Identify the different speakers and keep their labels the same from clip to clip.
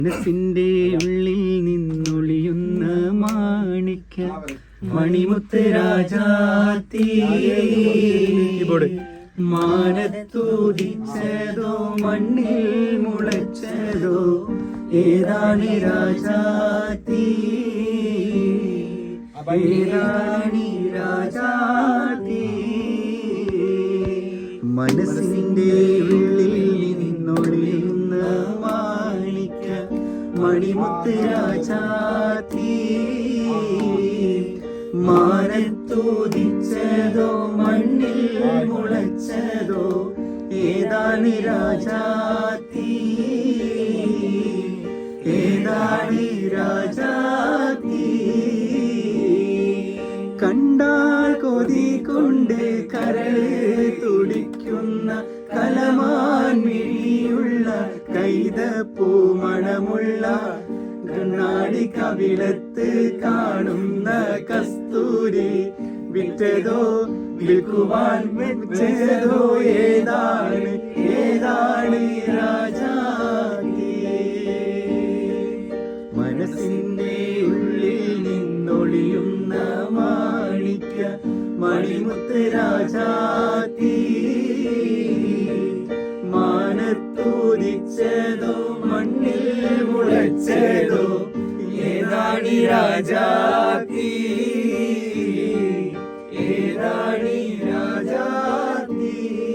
Speaker 1: മനസ്സിന്റെ ഉള്ളിൽ നിന്നൊളിയുന്ന മാണിക്ക മണിമുത്ത് രാജാത്തി മാനത്തൂതിച്ചതോ മണ്ണിൽ മുളച്ചതോ ഏതാണ് രാജാത്തി ഏതാണ് രാജാത്തി മനസ്സിന്റെ ഉള്ളിൽ നിന്നൊളിയുന്ന മാണിക്ക മണിമുത്ത് രാജാത്തി മാനത്തൂതിച്ചതോ മണ്ണിൽ മുളച്ചതോ ഏതാണ് രാജാത്തി ഏതാണ് രാജാത്തി കണ്ടാൽ കൊതി കൊണ്ട് കരള് തുടിക്കുന്ന കലമാൻ മിഴിയുള്ള കൈതപ്പൂ മണമുള്ള കണ്ണാടി കവിളത്ത് കാണുന്ന കസ്തൂരി വിറ്റതോ വിൽക്കുവാൻ വെച്ചതോ ഏതാണ് ഏതാണ് രാജാത്തി മനസ്സിന്റെ ഉള്ളിൽ നിന്നൊളിയുന്ന മാണിക്ക മണിമുത്ത് രാജാത്തി മാനത്തൂതിച്ചതോ മണ്ണിൽ മുളച്ചതോ ഏതാണ് രാജാത്തി ഏതാണ് രാജാത്തി.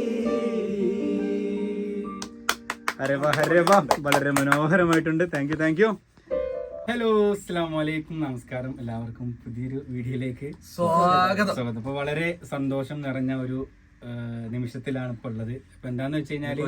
Speaker 2: അരെ വാ വളരെ മനോഹരമായിട്ടുണ്ട്. Thank you. ഹലോ, അസ്സലാമു അലൈക്കും, നമസ്കാരം. എല്ലാവർക്കും പുതിയൊരു വീഡിയോയിലേക്ക് സ്വാഗതം. അപ്പൊ വളരെ സന്തോഷം നിറഞ്ഞ ഒരു നിമിഷത്തിലാണ് ഇപ്പൊ ഉള്ളത്. അപ്പൊ എന്താന്ന് വെച്ച് കഴിഞ്ഞാല്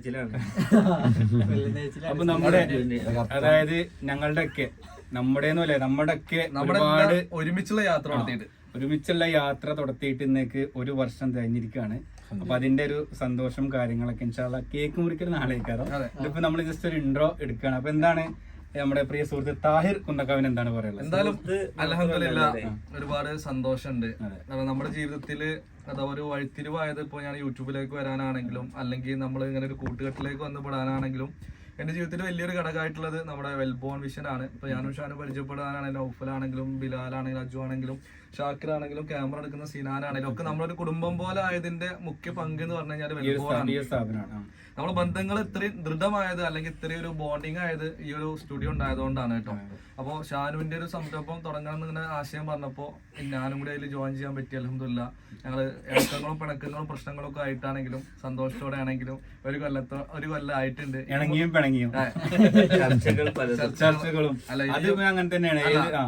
Speaker 2: അപ്പൊ നമ്മുടെ അതായത് ഞങ്ങളുടെയൊക്കെ നമ്മുടെയൊക്കെ ഒരുപാട് ഒരുമിച്ചുള്ള യാത്ര തുടത്തിയിട്ട് ഇന്നേക്ക് ഒരു വർഷം കഴിഞ്ഞിരിക്കുകയാണ്. അപ്പൊ അതിന്റെ ഒരു സന്തോഷം കാര്യങ്ങളൊക്കെ ഇൻഷാല്ലാ കേക്ക് മുറിക്കൽ നാളേക്കാരം. ഇതിപ്പോ നമ്മൾ ജസ്റ്റ് ഒരു ഇൻട്രോ എടുക്കുകയാണ്. അപ്പൊ എന്താണ് നമ്മുടെ പ്രിയ സുഹൃത്ത് താഹിർ കുന്നക്കാവിന് എന്താണ് പറയുന്നത്?
Speaker 3: എന്തായാലും അൽഹംദുലില്ലാഹ് ഒരുപാട് സന്തോഷമുണ്ട്. കാരണം നമ്മുടെ ജീവിതത്തില് അതാ ഒരു വഴിത്തിരിവായത് ഇപ്പോൾ ഞാൻ യൂട്യൂബിലേക്ക് വരാനാണെങ്കിലും അല്ലെങ്കിൽ നമ്മൾ ഇങ്ങനെ ഒരു കൂട്ടുകെട്ടിലേക്ക് വന്നുപെടാനാണെങ്കിലും എന്റെ ജീവിതത്തിൽ വലിയൊരു ഘടകമായിട്ടുള്ളത് നമ്മുടെ വെൽബോൺ വിഷൻ ആണ്. ഇപ്പൊ ഞാനും ഷാനും പരിചയപ്പെടാനാണെങ്കിലും നൗഫലാണെങ്കിലും ബിലാലാണെങ്കിലും അജു ആണെങ്കിലും ഷാക്കിർ ആണെങ്കിലും ക്യാമറ എടുക്കുന്ന സിനാനാണെങ്കിലും ഒക്കെ നമ്മളൊരു കുടുംബം പോലെ ആയതിന്റെ മുഖ്യ പങ്ക് എന്ന് പറഞ്ഞു കഴിഞ്ഞാൽ വെൽബോൺ ആണ്. നമ്മുടെ ബന്ധങ്ങൾ ഇത്രയും ദൃഢമായത് അല്ലെങ്കിൽ ഇത്രയും ഒരു ബോണ്ടിങ് ആയത് ഈ ഒരു സ്റ്റുഡിയോ ഉണ്ടായതുകൊണ്ടാണ് കേട്ടോ. അപ്പോൾ ഷാനുവിന്റെ ഒരു സംരംഭം തുടങ്ങണം ഇങ്ങനെ ആശയം പറഞ്ഞപ്പോൾ ഞാനും കൂടി അതിൽ ജോയിൻ ചെയ്യാൻ പറ്റി. അൽഹംദുലില്ലാഹ് ഞങ്ങള് ഇണക്കങ്ങളും പിണക്കങ്ങളും പ്രശ്നങ്ങളും ഒക്കെ ആയിട്ടാണെങ്കിലും സന്തോഷത്തോടെ ആണെങ്കിലും ഒരു കൊല്ലം ആയിട്ടുണ്ട്.
Speaker 2: ചർച്ചകളും അങ്ങനെ തന്നെയാണ്.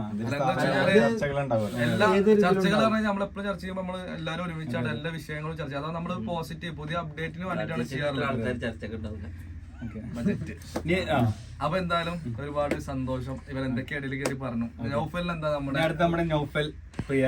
Speaker 3: എല്ലാ ചർച്ചകൾ പറഞ്ഞാൽ നമ്മളെപ്പോഴും ചർച്ച ചെയ്യുമ്പോൾ നമ്മൾ എല്ലാവരും ഒരുമിച്ചാണ് എല്ലാ വിഷയങ്ങളും ചർച്ച ചെയ്യുക. അതാണ് നമ്മൾ പോസിറ്റീവ് പുതിയ അപ്ഡേറ്റിന് വേണ്ടിയിട്ടാണ് ചെയ്യാറുള്ളത്. അപ്പൊ എന്തായാലും ഒരുപാട് സന്തോഷം. ഇവരെന്തൊക്കെ ഇടയിൽ കയറി പറഞ്ഞു. നൗഫൽ എന്താ നമ്മുടെ
Speaker 2: നൗഫൽ പ്രിയ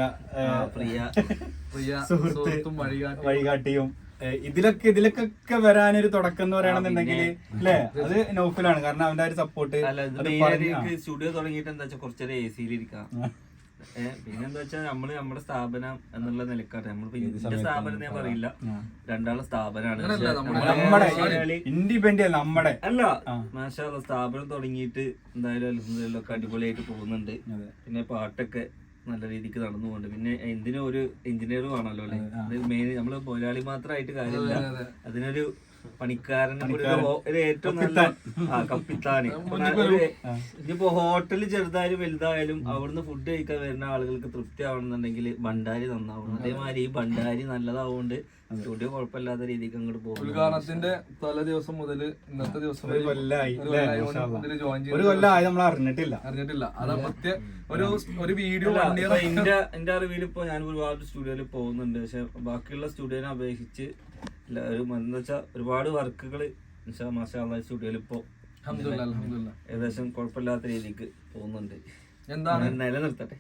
Speaker 2: സുഹൃത്തും വഴികാട്ടിയും ഇതിലൊക്കെ വരാനൊരു തുടക്കം എന്ന് പറയുകയാണെന്നുണ്ടെങ്കിൽ അല്ലേ, അത് നൗഫലാണ്. കാരണം അവന്റെ ഒരു സപ്പോർട്ട്.
Speaker 4: സ്റ്റുഡിയോ തുടങ്ങിയിട്ട് എന്താ വെച്ചാൽ കുറച്ചേരം AC-യിലിരിക്കാം. പിന്നെന്താ വെച്ചാൽ നമ്മുടെ സ്ഥാപനം എന്നുള്ള നിലക്കാണ്. നമ്മളിപ്പോ ഇതിന്റെ സ്ഥാപനം ഞാൻ പറയില്ല, രണ്ടാളെ സ്ഥാപനമാണ്.
Speaker 2: ഇൻഡിപെൻഡന്റ് നമ്മുടെ
Speaker 4: അല്ല, മാഷാ അല്ലാഹ് സ്ഥാപനം തുടങ്ങിയിട്ട് എന്തായാലും അൽഹംദുലില്ലാഹ് ഒക്കെ അടിപൊളിയായിട്ട് പോകുന്നുണ്ട്. പിന്നെ പാട്ടൊക്കെ നല്ല രീതിക്ക് നടന്നു പോകുന്നുണ്ട്. പിന്നെ എന്തിനും ഒരു എഞ്ചിനീയർ വേണമല്ലോ അല്ലെ. അത് മെയിൻ നമ്മള് മുതലാളി മാത്രമായിട്ട് കാര്യമില്ല, അതിനൊരു പണിക്കാരന് ഒരു ഏറ്റവും നല്ല കപ്പിത്താന്. ഇനിയിപ്പോ ഹോട്ടല് ചെറുതായാലും വലുതായാലും അവിടുന്ന് ഫുഡ് കഴിക്കാൻ വരുന്ന ആളുകൾക്ക് തൃപ്തി ആവണമെന്നുണ്ടെങ്കിൽ ഭണ്ഡാരി നന്നാവണം. അതേമാതിരി ഈ ഭണ്ഡാരി നല്ലതാവുകൊണ്ട് സ്റ്റുഡിയോ കുഴപ്പമില്ലാത്ത രീതിക്ക് അങ്ങോട്ട് പോകും.
Speaker 3: ഉദ്ഘാടനത്തിന്റെ തലേ ദിവസം മുതൽ ഇന്നത്തെ ദിവസം
Speaker 2: ഒരു കൊല്ലമായി നമ്മൾ അറിഞ്ഞിട്ടില്ല.
Speaker 3: അതാ ഒരു വീഡിയോ
Speaker 4: എന്റെ അറിവിൽ ഇപ്പൊ ഞാൻ ഒരുപാട് സ്റ്റുഡിയോയിൽ പോകുന്നുണ്ട്. പക്ഷെ ബാക്കിയുള്ള സ്റ്റുഡിയോനെ അപേക്ഷിച്ച് എന്താ വെച്ചാൽ ഒരുപാട് വർക്കുകൾ മാഷാ അല്ലാഹ് സ്റ്റുഡിയോയിൽ ഇപ്പൊ ഏകദേശം കുഴപ്പമില്ലാത്ത രീതിക്ക് പോകുന്നുണ്ട്.
Speaker 3: എന്താണ്
Speaker 4: നിലനിർത്തട്ടെ.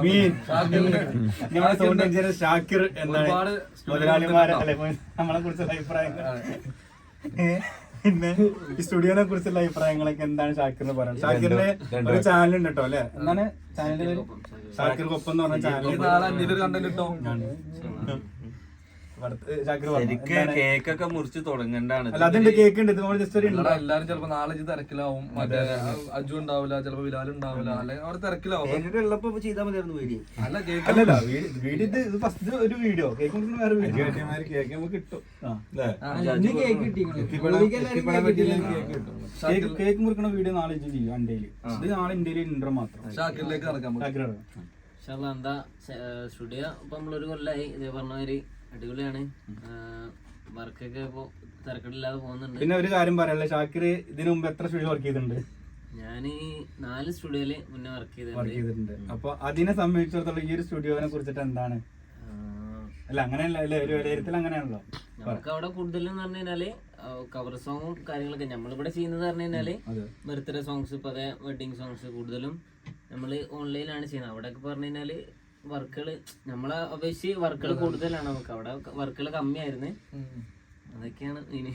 Speaker 2: ഷാക്കിർ എന്താണ് മുതലാളിമാരെ നമ്മളെ കുറിച്ചുള്ള അഭിപ്രായങ്ങൾ, പിന്നെ ഈ സ്റ്റുഡിയോനെ കുറിച്ചുള്ള അഭിപ്രായങ്ങളൊക്കെ എന്താണ് ഷാക്കിറിന് പറയുന്നത്? ഷാക്കിറിന്റെ ഒരു ചാനൽ ഉണ്ട് കേട്ടോ അല്ലെ, എന്താണ് ചാനലിന്റെ പേര്? ഷാക്കിർ കൊപ്പം എന്ന് പറഞ്ഞ ചാനൽ.
Speaker 4: ശരിക്ക് കേക്കൊക്കെ മുറിച്ച് തുടങ്ങണ്ടാണ്.
Speaker 2: അല്ല അതുണ്ട്, കേക്ക് ഉണ്ട്, ഇത് ജസ്റ്റ് ഒരു
Speaker 3: അല്ലടാ, എല്ലാരും ചിലപ്പോ നാളെ ഇജ്ജ് തിരക്കിലാവും, മറ്റേ അജു ഉണ്ടാവില്ല, ചിലപ്പോ ബിലാൽ ഉണ്ടാവില്ല, അല്ലെങ്കിൽ അവിടെ തിരക്കിലാവും.
Speaker 4: ഉള്ളപ്പോ ചെയ്താൽ മതിയായിരുന്നു വീഡിയോ.
Speaker 3: അല്ല കേക്ക്
Speaker 2: അല്ലല്ല വീഡിയോ ഇത് ഫസ്റ്റ് ഒരു വീഡിയോ, കേക്ക് മുറിക്കുന്ന വേറെ വീഡിയോ.
Speaker 1: കേക്ക് നമുക്ക് കിട്ടും.
Speaker 2: കേക്ക് മുറിക്കണ വീഡിയോ നാളെ ചെയ്യും അണ്ടയില്. ഇത് നാളെ ഇന്ത്യയിൽ ഇൻട്രോ മാത്രം.
Speaker 3: ഷാക്കിറിലേക്ക് നടക്കാൻ പറ്റും.
Speaker 5: എന്താ സ്റ്റുഡിയോ ഇപ്പൊ നമ്മളൊരു കൊല്ലായി ഇതേ പറഞ്ഞമാതിരി അടിപൊളിയാണ്. വർക്കൊക്കെ ഇപ്പൊ തിരക്കില്ലാതെ പോകുന്നുണ്ട്.
Speaker 2: പിന്നെ ഒരു കാര്യം പറയാനുള്ള, ഷാക്കിർ ഇതിനു മുമ്പ് എത്ര സ്റ്റുഡിയോ വർക്ക് ചെയ്തിട്ടുണ്ട്?
Speaker 5: ഞാൻ 4 സ്റ്റുഡിയോയില് മുന്നേ വർക്ക്
Speaker 2: ചെയ്തിട്ടുണ്ട്. അപ്പൊ അതിനെ സംബന്ധിച്ചിടത്തോളം ഈ ഒരു സ്റ്റുഡിയോനെ കുറിച്ചിട്ട് എന്താണ്? അല്ല അങ്ങനെയല്ല, അല്ലേ, ഒരു വിലയിരുത്തൽ അങ്ങനെയാണല്ലോ.
Speaker 5: നമുക്ക് അവിടെ കൂടുതലും പറഞ്ഞു കഴിഞ്ഞാല് കവർ സോങ്ങും കാര്യങ്ങളൊക്കെ നമ്മളിവിടെ ചെയ്യുന്നത് പറഞ്ഞു കഴിഞ്ഞാല് ബർത്ത്ഡേ സോങ്സ്, ഇപ്പൊ അതേ വെഡിങ് സോങ്സ് കൂടുതലും നമ്മള് ഓൺലൈനിലാണ് ചെയ്യുന്നത്. അവിടെ ഒക്കെ പറഞ്ഞു കഴിഞ്ഞാല് വർക്കുകള് നമ്മളെ അപേക്ഷിച്ച് വർക്കുകൾ കൂടുതലാണ്. നമുക്ക് അവിടെ വർക്കുകൾ കമ്മിയായിരുന്നു. അതൊക്കെയാണ് ഇനി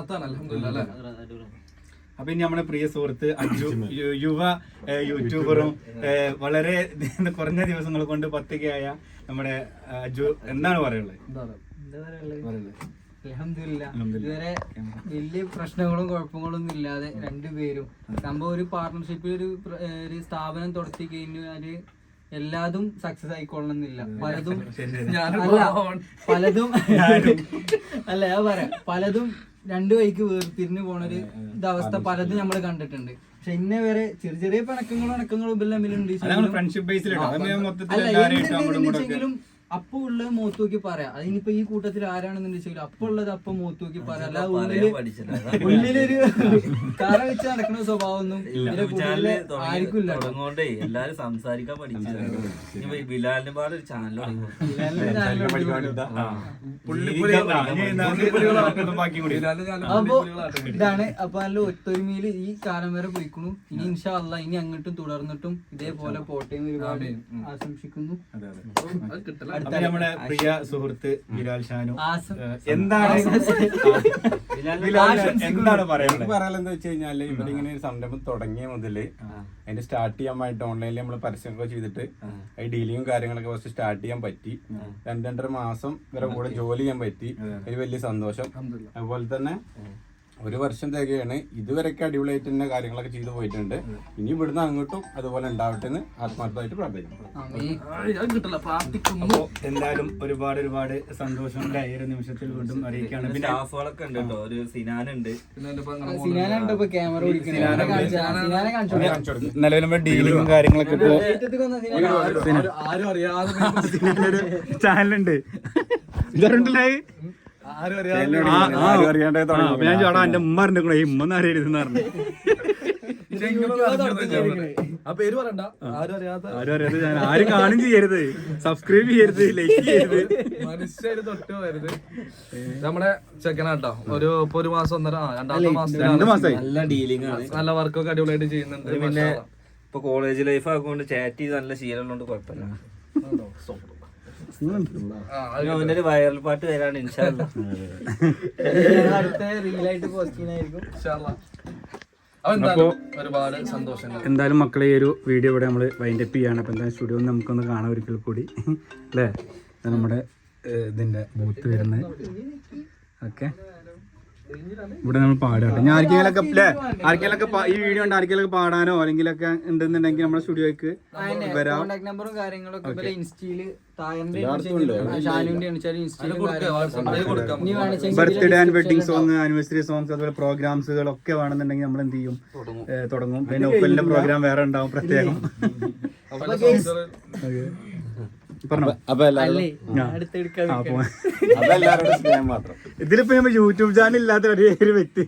Speaker 2: അപ്പൊ ഇനി നമ്മുടെ പ്രിയ സുഹൃത്ത് അജു, യുവ യൂട്യൂബറും വളരെ കുറഞ്ഞ ദിവസങ്ങൾ കൊണ്ട് 10K ആയ നമ്മുടെ അജു, എന്താണ് പറയുള്ളത്?
Speaker 6: അൽഹംദുലില്ലാ, ഇതുവരെ വലിയ പ്രശ്നങ്ങളും കുഴപ്പങ്ങളൊന്നും ഇല്ലാതെ രണ്ടുപേരും സംഭവം ഒരു പാർട്ണർഷിപ്പിൽ ഒരു സ്ഥാപനം തുടത്തി കഴിഞ്ഞാല് എല്ലാതും സക്സസ് ആയിക്കൊള്ളണമെന്നില്ല. പലതും അല്ല ഞാൻ പറയാം, പലതും രണ്ടു വഴിക്ക് വേർതിരിഞ്ഞു പോണൊരു ഇതവസ്ഥ പലതും നമ്മൾ കണ്ടിട്ടുണ്ട്. പക്ഷെ ഇന്നെ വരെ ചെറിയ ചെറിയ പിണക്കങ്ങളും തമ്മിലുണ്ട്. എന്തെങ്കിലും അപ്പൊ ഉള്ളത് മുഖത്ത് നോക്കി പറയാം. അതിനിപ്പോ ഈ കൂട്ടത്തിൽ ആരാണെന്ന് വെച്ചാൽ അപ്പൊ ഉള്ളത് അപ്പൊ മുഖത്ത് നോക്കി പറയാം. അല്ലാതെ ഉള്ളിലൊരു കറ വെച്ച് നടക്കുന്ന സ്വഭാവം ഒന്നും ആർക്കും ഇല്ല.
Speaker 4: എല്ലാരും സംസാരിക്കാൻ പഠിച്ചു. ബിലാലിന്റെ പാട് ഒരു ചാനൽ
Speaker 6: അപ്പൊ ഇതാണ്. അപ്പൊ നല്ല ഒത്തൊരുമയില് ഈ കാലം വരെ പോയിക്കുന്നു. ഇനി ഇൻഷാ അല്ലാഹ് ഇനി അങ്ങോട്ടും തുടർന്നിട്ടും ഇതേപോലെ പോട്ടെ എന്ന് ഒരുപാട് ആശംസിക്കുന്നു.
Speaker 2: നമ്മുടെ പ്രിയ സുഹൃത്ത് ബിലാൽ ഷാനു, എന്താണ്
Speaker 1: പറയാനെന്താ വെച്ച് കഴിഞ്ഞാല് ഇവരിങ്ങനെ ഒരു സംരംഭം തുടങ്ങിയ മുതല് അതിന്റെ സ്റ്റാർട്ട് ചെയ്യാൻ വേണ്ടിട്ട് ഓൺലൈനിൽ നമ്മൾ പരസ്യമൊക്കെ ചെയ്തിട്ട് ഈ ഡീലിങ്ങും കാര്യങ്ങളൊക്കെ ഫസ്റ്റ് സ്റ്റാർട്ട് ചെയ്യാൻ പറ്റി. 2-2.5 മാസം ഇവരെ കൂടെ ജോലി ചെയ്യാൻ പറ്റി. ഒരു വലിയ സന്തോഷം. അതുപോലെ തന്നെ 1 വർഷം തികയാണ്. ഇതുവരെയൊക്കെ അടിപൊളിയായിട്ട് തന്നെ കാര്യങ്ങളൊക്കെ ചെയ്തു പോയിട്ടുണ്ട്. ഇനി ഇവിടുന്ന് അങ്ങോട്ടും അതുപോലെ ഉണ്ടാവട്ടെ എന്ന് ആത്മാർത്ഥമായിട്ട് പ്രാർത്ഥിക്കുന്നു.
Speaker 2: അപ്പോ എന്തായാലും ഒരുപാട് സന്തോഷം ഈ ഒരു നിമിഷത്തിൽ വീണ്ടും അറിയിക്കുകയാണ്. പിന്നെ
Speaker 4: സ്റ്റാഫുകളൊക്കെ ഉണ്ട് കേട്ടോ. ഒരു സിനാനുണ്ട്,
Speaker 6: ക്യാമറ
Speaker 2: നിലവിൽ നമ്മുടെ ഡീലിങ്ങും കാര്യങ്ങളൊക്കെ ഇപ്പോ
Speaker 3: ആരും അറിയാതെ
Speaker 2: ചാനലുണ്ട്. ഇതുണ്ടല്ലേ ഞാൻ ചോടാ എന്റെ ഉമ്മ അറിഞ്ഞോ ഈ ഉമ്മ അറിയരുതെന്ന് പറഞ്ഞു.
Speaker 3: ആ പേര് പറയണ്ട. ആരും അറിയാതെ
Speaker 2: ഞാൻ ആരും കാണും ചെയ്യരുത്, സബ്സ്ക്രൈബ് ചെയ്യരുത്, ലൈക്ക് ചെയ്യരുത്,
Speaker 3: മനുഷ്യര് തൊട്ട് വരുത്. നമ്മുടെ ചെക്കനാട്ടോ. ഒരു മാസം 2
Speaker 2: മാസമായി
Speaker 4: നല്ല ഡീലിംഗ് ആണ്.
Speaker 3: നല്ല വർക്കൊക്കെ അടിപൊളിയായിട്ട് ചെയ്യുന്നുണ്ട്.
Speaker 4: പിന്നെ ഇപ്പൊ കോളേജ് ലൈഫ് ആകൊണ്ട് ചാറ്റ് ചെയ്ത് നല്ല ശീലമുള്ളതുകൊണ്ട് കുഴപ്പമില്ല. അവന്റെ ഒരു വൈറൽ പാട്ട് വരാണ് ഇൻഷാ അല്ലാഹ്.
Speaker 6: അടുത്ത റീലായിട്ട് പോസ്റ്റ് ചെയ്യുന്നതായിരിക്കും.
Speaker 3: ഒരുപാട് സന്തോഷം.
Speaker 2: എന്തായാലും മക്കളെ ഈ ഒരു വീഡിയോ ഇവിടെ നമ്മൾ വൈൻഡ് അപ്പ് ചെയ്യാണ്. അപ്പോൾ എന്തായാലും സ്റ്റുഡിയോ നമുക്കൊന്ന് കാണാം ഒരിക്കൽ കൂടി, അല്ലേ? നമ്മുടെ ഇതിൻ്റെ ബൂത്ത് വരുന്നത്. ഓക്കെ, ഇവിടെ നമ്മൾ പാടാട്ടെ. ഞാൻ ആർക്കെങ്കിലൊക്കെ ഈ വീഡിയോ ഉണ്ട് ആർക്കെങ്കിലൊക്കെ പാടാനോ അല്ലെങ്കിലൊക്കെ ഉണ്ടെന്നുണ്ടെങ്കിൽ നമ്മുടെ സ്റ്റുഡിയോക്ക് വരാം.
Speaker 6: കോൺടാക്ട് നമ്പറും കാര്യങ്ങളൊക്കെ ഇൻസ്റ്റയില്
Speaker 2: birthday and wedding song, anniversary songs, അതുപോലെ പ്രോഗ്രാംസുകളൊക്കെ വേണമെന്നുണ്ടെങ്കിൽ നമ്മൾ എന്ത് ചെയ്യും, തുടങ്ങും. പിന്നെ ഒപ്പലിന്റെ പ്രോഗ്രാം വേറെ ഉണ്ടാവും പ്രത്യേകം. ഇതിലിപ്പോ നമ്മൾ യൂട്യൂബ് ചാനൽ ഇല്ലാത്ത ഒരു വ്യക്തി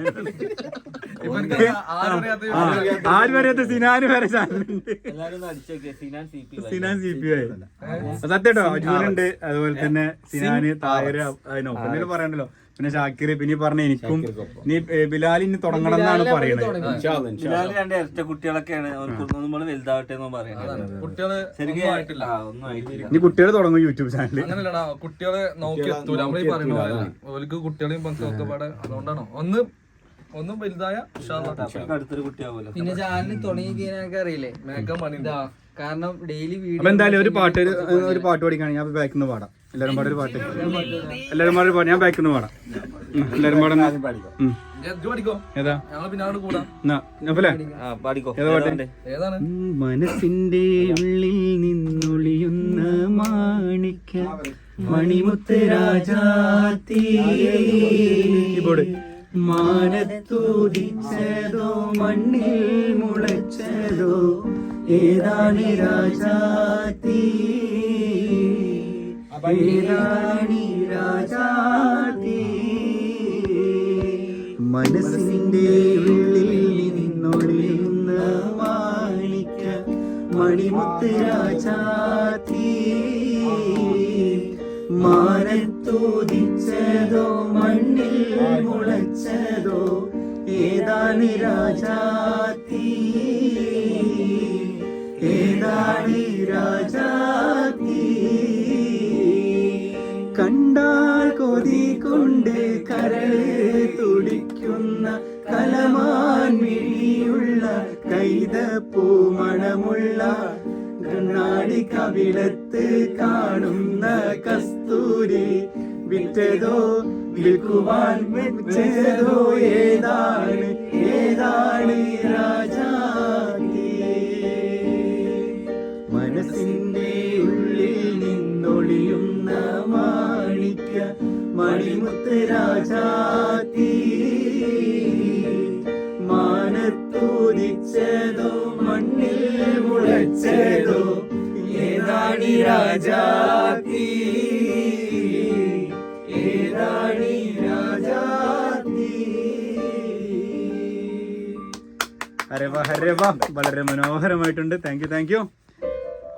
Speaker 2: ആരും അറിയാത്ത സിനാന് വരെ ചാനലുണ്ട്. സിനാൻ CP സത്യട്ടോ അജുനുണ്ട്. അതുപോലെ തന്നെ സിനാന്, തായര്, അതിനൊപ്പം പറയണ്ടല്ലോ. പിന്നെ ഷാക്കിർ, പിന്നെ പറഞ്ഞ എനിക്കും നീ ബിലാൽ ഇനി തുടങ്ങണം എന്നാണ് പറയുന്നത്.
Speaker 4: ബിലാൽ 2 ഇരട്ട കുട്ടികളൊക്കെയാണ്. അവർക്ക് വലുതാവട്ടെ എന്ന് പറയുന്നത്.
Speaker 3: കുട്ടികള്
Speaker 2: ഇനി കുട്ടികൾ തുടങ്ങും യൂട്യൂബ് ചാനൽ.
Speaker 3: അങ്ങനെയല്ലടാ, കുട്ടികളെ നോക്കി എത്തൂല. നമ്മളീ പറയുന്ന കുട്ടികളെയും ഒക്കെ പാടെ. അതുകൊണ്ടാണോ ഒന്നും വലുതായ
Speaker 4: അടുത്തൊരു കുട്ടിയാവുമല്ലോ.
Speaker 6: പിന്നെ ചാനൽ തുടങ്ങി കഴിഞ്ഞാൽ അറിയില്ലേ
Speaker 3: മേക്കപ്പ് പണി.
Speaker 6: കാരണം ഡെയിലി വീഡിയോ.
Speaker 2: അപ്പൊ എന്തായാലും ഒരു പാട്ട് പഠിക്കുകയാണെങ്കിൽ ഞാൻ ബാക്കിൽ നിന്ന് പാടാം. എല്ലാരും പാടെ ഒരു പാട്ട്, എല്ലാരും പാടെ ഒരു പാട്ട്. ഞാൻ ബാക്കിൽ നിന്ന് പാടാം. എല്ലാരും പാടെ
Speaker 3: പഠിക്കോ
Speaker 2: ഏതാ?
Speaker 3: ഞങ്ങൾ പിന്നെ അവിടെ കൂടാം.
Speaker 2: നഫലേ
Speaker 4: പാടിക്കോ.
Speaker 2: ഏതാ പാട്ട്?
Speaker 3: ഏതാണ്?
Speaker 2: മനസ്സിന്റെ ഉള്ളിൽ നിന്നൊളിയുന്ന മാണിക്ക മണിമുത്ത് രാജാത്തി മാനത്തൂതിച്ചതോ മണ്ണിൽ മുളച്ചതോ ഏതാണ് രാജാത്തി, ഏതാണ് രാജാത്തി. മനസ്സിന്റെ ഉള്ളിൽ നിന്നൊളിയുന്ന മാണിക്ക മണിമുത്ത് രാജാത്തി മാനത്തൂതിച്ചതോ മണ്ണിൽ മുളച്ചതോ ഏതാണ് രാജാത്തി, ഏതാണ് രാജാത്തി. കണ്ടാൽ കൊതി കൊണ്ട് കരള് തുടിക്കുന്ന കലമാൻ മിഴിയുള്ള കൈതപ്പൂ മണമുള്ള കണ്ണാടി കവിളത്ത് കാണുന്ന കസ്തൂരി വിറ്റതോ വിൽക്കുവാൻ വെച്ചതോ ഏതാണ്, ഏതാണ് രാജാത്തി. മനസ്സിന്റെ ഉള്ളിൽ നിന്നൊളിയുന്ന മാണിക്ക മണിമുത്ത് രാജാത്തി മാനത്തൂതിച്ചതോ മണ്ണിൽ മുളച്ചതോ ഏതാണ് രാജാത്തി, ഏതാണ് രാജാത്തി. അരെ വാ വളരെ മനോഹരമായിട്ടുണ്ട്. Thank you.